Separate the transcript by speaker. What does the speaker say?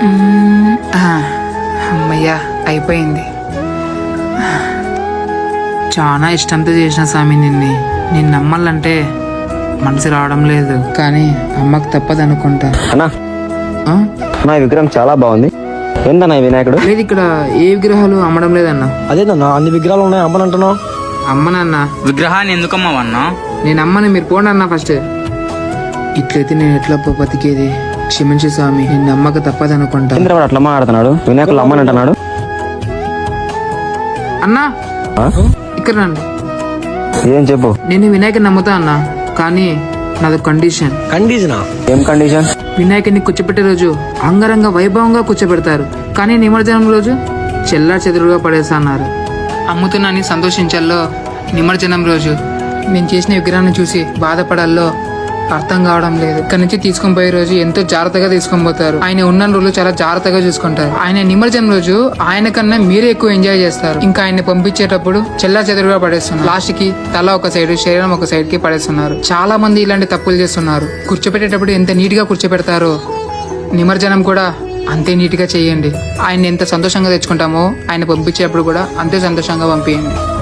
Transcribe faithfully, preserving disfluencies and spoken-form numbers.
Speaker 1: అమ్మయ్యా అయిపోయింది. చాలా ఇష్టంతో చేసిన స్వామి నిన్ను నేను నమ్మాలంటే మనసు రావడం లేదు, కానీ అమ్మకు తప్పదు అనుకుంటా.
Speaker 2: అన్నా
Speaker 1: ఆ?
Speaker 2: నా విగ్రహం చాలా బాగుంది. ఏందన్నా ఈ వినాయకుడు?
Speaker 1: లేదు, ఇక్కడ ఏ విగ్రహాలు అమ్మడం లేదన్నా.
Speaker 3: అదేనన్నా అన్ని విగ్రహాలు ఉన్నాయి అమ్మనంటున్నావు.
Speaker 1: అమ్మనన్నా.
Speaker 4: విగ్రహాన్ని ఎందుకమ్మవన్నా?
Speaker 1: నేను అమ్మని, మీరు పోండి అన్నా ఫస్ట్. ఇట్లయితే నేను ఎట్లా బతికేది? క్షమించు స్వామి, నేను నమ్మక తప్పదు అనుకుంటా.
Speaker 2: ఇంద్రవాడు అట్లా మాట్లాడుతున్నాడు, వినాయకుడు అమ్మని అంటున్నాడు.
Speaker 1: అన్నా
Speaker 2: ఆ?
Speaker 1: ఇక్కడ రండి.
Speaker 2: ఏం చెప్పు.
Speaker 1: నేను వినాయకుని నమ్ముతా అన్నా, కానీ నాది కండిషన్.
Speaker 3: కండిషనా?
Speaker 2: ఏం కండిషన్?
Speaker 1: వినాయకుడిని కూర్చోపెట్టే రోజు అంగరంగ వైభవంగా కూర్చోబెడతారు, కానీ నిమజ్జనం రోజు చెల్లా చెదురుగా పడేస్తా అన్నారు. అమ్ముతున్నాని సంతోషించాలో, నిమజ్జనం రోజు నేను చేసిన విగ్రహాన్ని చూసి బాధపడాలో అర్థం కావడం లేదు. ఇక్కడ నుంచి తీసుకొని పోయే రోజు ఎంతో జాగ్రత్తగా తీసుకొని పోతారు. ఆయన ఉన్న రోజులు చాలా జాగ్రత్తగా చూసుకుంటారు. ఆయన నిమజ్జనం రోజు ఆయన కన్నా మీరే ఎక్కువ ఎంజాయ్ చేస్తారు. ఇంకా ఆయన పంపించేటప్పుడు చెల్లా చెదురుగా పడేస్తున్నారు. లాస్ట్ కి తల ఒక సైడ్, శరీరం ఒక సైడ్ కి పడేస్తున్నారు. చాలా మంది ఇలాంటి తప్పులు చేస్తున్నారు. కూర్చోపెట్టేటప్పుడు ఎంత నీట్ గా కూర్చోపెడతారో నిమజ్జనం కూడా అంతే నీట్ గా చేయండి. ఆయన ఎంత సంతోషంగా తెచ్చుకుంటామో ఆయన పంపించేటప్పుడు కూడా అంతే సంతోషంగా పంపించండి.